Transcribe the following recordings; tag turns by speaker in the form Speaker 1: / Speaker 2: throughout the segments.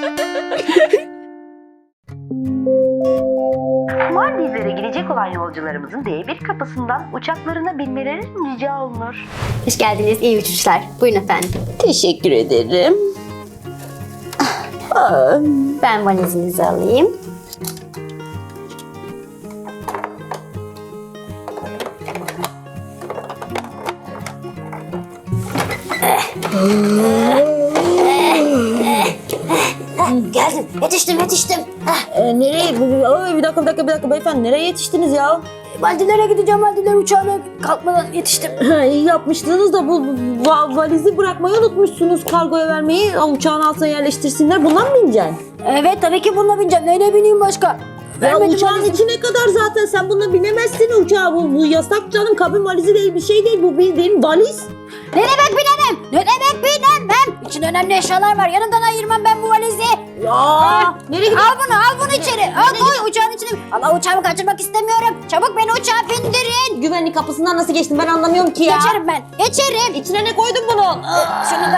Speaker 1: Maldivlere gidecek olan yolcularımızın D1 kapısından uçaklarına binmeleri rica olunur.
Speaker 2: Hoş geldiniz. İyi uçuşlar. Buyurun efendim.
Speaker 3: Teşekkür ederim.
Speaker 2: Ben valizinizi alayım. Geldim. Yetiştim.
Speaker 3: Nereye? Ay, bir dakika beyefendi. Nereye yetiştiniz ya?
Speaker 2: Maldivlere gideceğim. Maldivler uçağına kalkmadan yetiştim.
Speaker 3: İyi yapmıştınız da bu valizi bırakmayı unutmuşsunuz. Kargoya vermeyi, uçağın altına yerleştirsinler. Bundan mı bineceksin?
Speaker 2: Evet tabii ki bununla bineceğim. Neyle bineyim başka?
Speaker 3: Ya
Speaker 2: Vermedim
Speaker 3: uçağın
Speaker 2: valizimi.
Speaker 3: içine kadar zaten sen bununla binemezsin uçağa. Bu yasak canım. Kabin valizi değil, bir şey değil. Bu bildiğin valiz.
Speaker 2: Ne demek binemem? Ne demek binemem? İçinde önemli eşyalar var. Yanımdan ayırmam ben bu valizi.
Speaker 3: Ya nereye gidiyorsun?
Speaker 2: Al bunu içeri. Al koy uçağın içine. Allah uçağımı kaçırmak istemiyorum. Çabuk beni uçağa bindirin.
Speaker 3: Güvenlik kapısından nasıl geçtin ben anlamıyorum ki ya.
Speaker 2: Geçerim ben. Geçerim.
Speaker 3: İçine ne koydun bunun?
Speaker 2: Şunu da...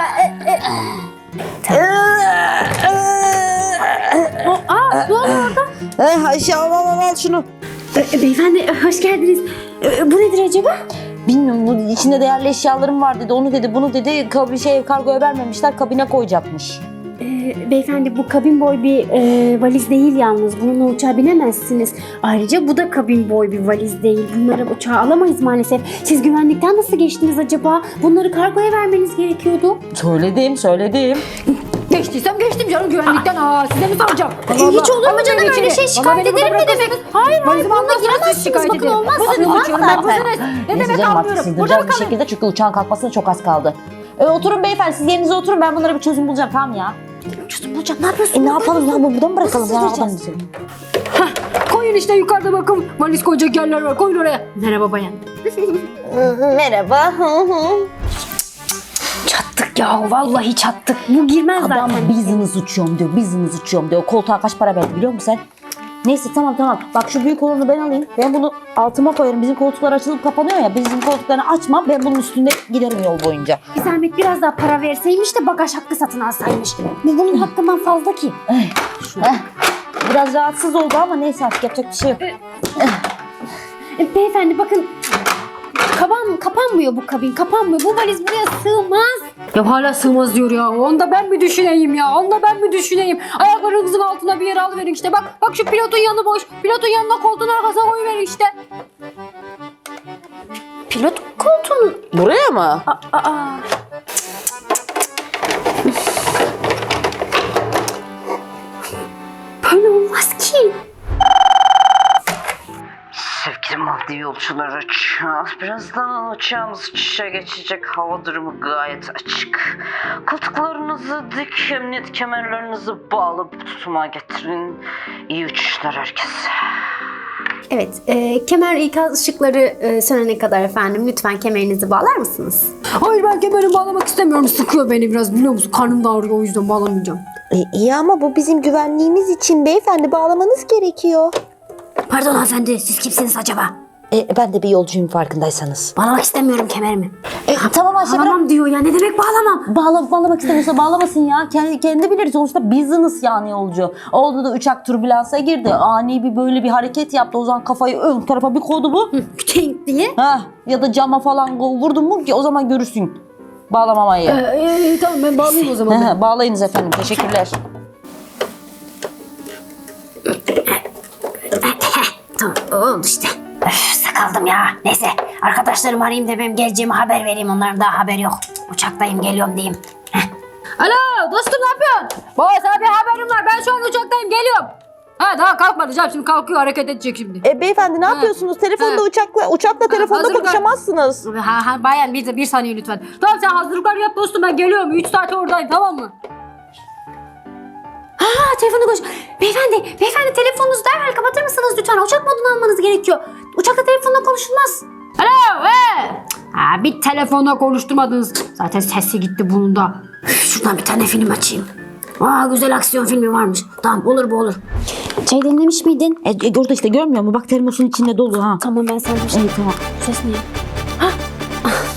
Speaker 2: ne oluyor orada?
Speaker 3: Ayşe al şunu.
Speaker 2: Beyefendi hoş geldiniz. Bu nedir acaba?
Speaker 3: Bilmiyorum, bu içinde değerli eşyalarım var dedi, onu dedi, bunu dedi, kargoya vermemişler, kabine koyacakmış.
Speaker 4: Beyefendi bu kabin boy bir valiz değil yalnız. Bununla uçağa binemezsiniz. Ayrıca bu da kabin boy bir valiz değil. Bunları uçağa alamayız maalesef. Siz güvenlikten nasıl geçtiniz acaba? Bunları kargoya vermeniz gerekiyordu.
Speaker 3: Söyledim.
Speaker 4: Geçtiysem geçtim canım güvenlikten. Size mi soracağım?
Speaker 2: Hiç olur mu canım öyle şey? Şikayet ederim ne demek? Hayır bununla giremezsiniz. Bakın olmaz.
Speaker 4: Ne demek
Speaker 3: canım,
Speaker 4: almıyorum?
Speaker 3: siz
Speaker 4: Burada mı
Speaker 3: bir şekilde çünkü uçağın kalkmasına çok az kaldı. Oturun beyefendi, siz yerinize oturun, ben bunlara bir çözüm bulacağım, tamam ya.
Speaker 2: Çözüm bulacağım. Ne yapıyorsun?
Speaker 3: Ne yapalım ya, buradan mı bırakalım ya?
Speaker 2: Nasıl
Speaker 3: Oradan
Speaker 2: sığdıracağız?
Speaker 3: gidelim.
Speaker 4: Koyun işte yukarıda bakın. Valiz koyacak yerler var. Koyun oraya. Merhaba bayan.
Speaker 3: Merhaba.
Speaker 4: Çattık ya. Vallahi çattık. Bu girmez
Speaker 3: Adam
Speaker 4: zaten.
Speaker 3: business uçuyorum diyor. Koltuğa kaç para verdi biliyor musun sen? Neyse tamam. Bak şu büyük olanı ben alayım. Ben bunu altıma koyarım. Bizim koltuklar açılıp kapanıyor ya. Bizim koltuklarını açmam. Ben bunun üstünde giderim yol boyunca.
Speaker 4: Bir zahmet biraz daha para verseymiş de bagaj hakkı satın alsaymış. Bunun hakkından fazla ki.
Speaker 3: Biraz rahatsız oldu ama neyse artık yapacak bir şey yok.
Speaker 4: Beyefendi bakın. Kapanmıyor bu kabin. Kapanmıyor. Bu valiz buraya sığmaz. Ya hala sığmaz diyor ya. Onda ben mi düşüneyim ya? Ayaklarınızın altına bir yere alıverin işte. Bak şu pilotun yanı boş. Pilotun yanına koltuğun arkasına koyuverin işte.
Speaker 2: Pilot koltuğunu.
Speaker 3: Buraya mı?
Speaker 4: Böyle olmaz ki.
Speaker 1: Sevgili Maldiv yolcuları, birazdan uçağımız uçuşa geçecek. Hava durumu gayet açık. Koltuklarınızı dik, emniyet kemerlerinizi bağlı tutuma getirin. İyi uçuşlar herkese.
Speaker 2: Evet. Kemer ikaz ışıkları sönene kadar efendim lütfen kemerinizi bağlar mısınız?
Speaker 4: Hayır ben kemerimi bağlamak istemiyorum. Sıkıyor beni biraz biliyor musun? Karnım da ağrıyor o yüzden bağlamayacağım.
Speaker 3: İyi ama bu bizim güvenliğimiz için beyefendi, bağlamanız gerekiyor.
Speaker 2: Pardon hanımefendi siz kimsiniz acaba?
Speaker 3: Ben de bir yolcuyum farkındaysanız.
Speaker 2: Bağlamak istemiyorum kemerimi.
Speaker 3: Tamam Ayşe, bırak.
Speaker 4: Bağlamam diyor ya. Ne demek bağlamam?
Speaker 3: Bağlamak istemiyorsa bağlamasın ya. Kendi bilir. Sonuçta business yani yolcu. Oldu da uçak türbülansa girdi. Ani bir böyle bir hareket yaptı. O zaman kafayı ön tarafa bir koydu bu.
Speaker 2: Küteng diye.
Speaker 3: Ya da cama falan vurdun mu ki o zaman görürsün. Bağlamamayı.
Speaker 4: Tamam ben bağlayayım o zaman.
Speaker 3: Bağlayınız efendim. Teşekkürler.
Speaker 2: Tamam oldu işte. Sıkıldım ya. Neyse arkadaşlarımı arayayım da benim geleceğimi haber vereyim. Onların daha haberi yok. Uçaktayım geliyorum diyeyim.
Speaker 4: Alo dostum ne yapıyorsun? Baba sana bir haberim var. Ben şu an uçaktayım geliyorum. Daha kalkmadı canım. Şimdi kalkıyor hareket edecek şimdi.
Speaker 3: Beyefendi ne yapıyorsunuz? Telefonda uçakla telefonda
Speaker 4: hazırlıklar-
Speaker 3: konuşamazsınız.
Speaker 4: Bayan bir saniye lütfen. Tamam sen hazırlıklar yap dostum ben geliyorum. 3 saat oradayım tamam mı?
Speaker 2: Telefonu koş. Beyefendi telefonunuzu derhal kapatır mısınız lütfen? Uçak modunu almanız gerekiyor. Uçakta telefonla konuşulmaz.
Speaker 4: Alo bir telefonla konuşturmadınız. Zaten sesi gitti bunun da.
Speaker 2: Şuradan bir tane film açayım. Güzel aksiyon filmi varmış. Tamam olur bu olur.
Speaker 4: Çay demlemiş miydin?
Speaker 3: Orada işte görmüyor musun? Bak termosun içinde dolu ha.
Speaker 4: Tamam ben sana bir şey.
Speaker 3: Tamam.
Speaker 4: Ses ne?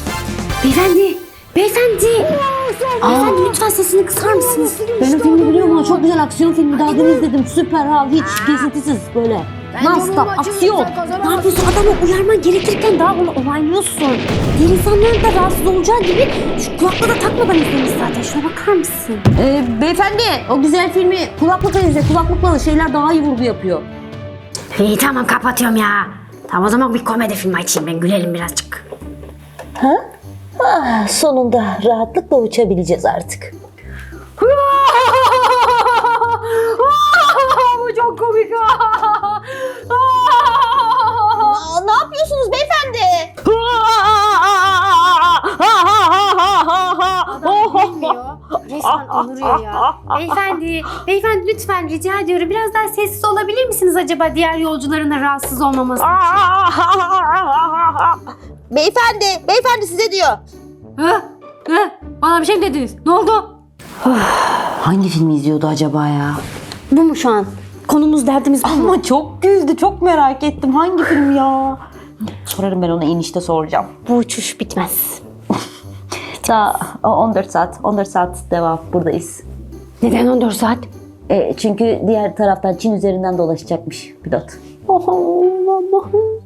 Speaker 4: Beyefendi. Beyefendi lütfen sesini kısar mısınız?
Speaker 3: Ben o filmi biliyorum Ama çok güzel aksiyon filmi daha dün izledim. Süper ha, hiç kesintisiz böyle. Non-stop aksiyon.
Speaker 4: Ne yapıyorsun? Adamı uyarman gerekirken daha bunu onaylıyorsun. Diğer insanların da rahatsız olacağı gibi şu kulaklığı da takmadan izlemiş zaten. Şuna bakar mısın?
Speaker 3: Beyefendi o güzel filmi kulaklıkla izle. Kulaklıkla şeyler daha iyi vurgu yapıyor.
Speaker 2: İyi tamam kapatıyorum ya. Tamam o zaman bir komedi filmi açayım ben gülelim birazcık.
Speaker 3: Sonunda rahatlıkla uçabileceğiz artık.
Speaker 2: Bu çok komik.
Speaker 3: Ne yapıyorsunuz beyefendi?
Speaker 4: Adam bilmiyor. Resmen anırıyor ya. Beyefendi lütfen rica ediyorum. Biraz daha sessiz olabilir misiniz acaba diğer yolcuların da rahatsız olmaması için?
Speaker 3: Beyefendi size diyor.
Speaker 4: Bana bir şey mi dediniz? Ne oldu?
Speaker 3: Hangi filmi izliyordu acaba ya?
Speaker 4: Bu mu şu an? Konumuz derdimiz bu mu?
Speaker 3: Ama çok güldü, çok merak ettim. Hangi film ya? Sorarım ben ona, inişte soracağım.
Speaker 4: Bu uçuş bitmez.
Speaker 3: Daha 14 saat devam buradayız.
Speaker 4: Neden 14 saat?
Speaker 3: Çünkü diğer taraftan Çin üzerinden dolaşacakmış pilot.
Speaker 4: Oh Allah'ım.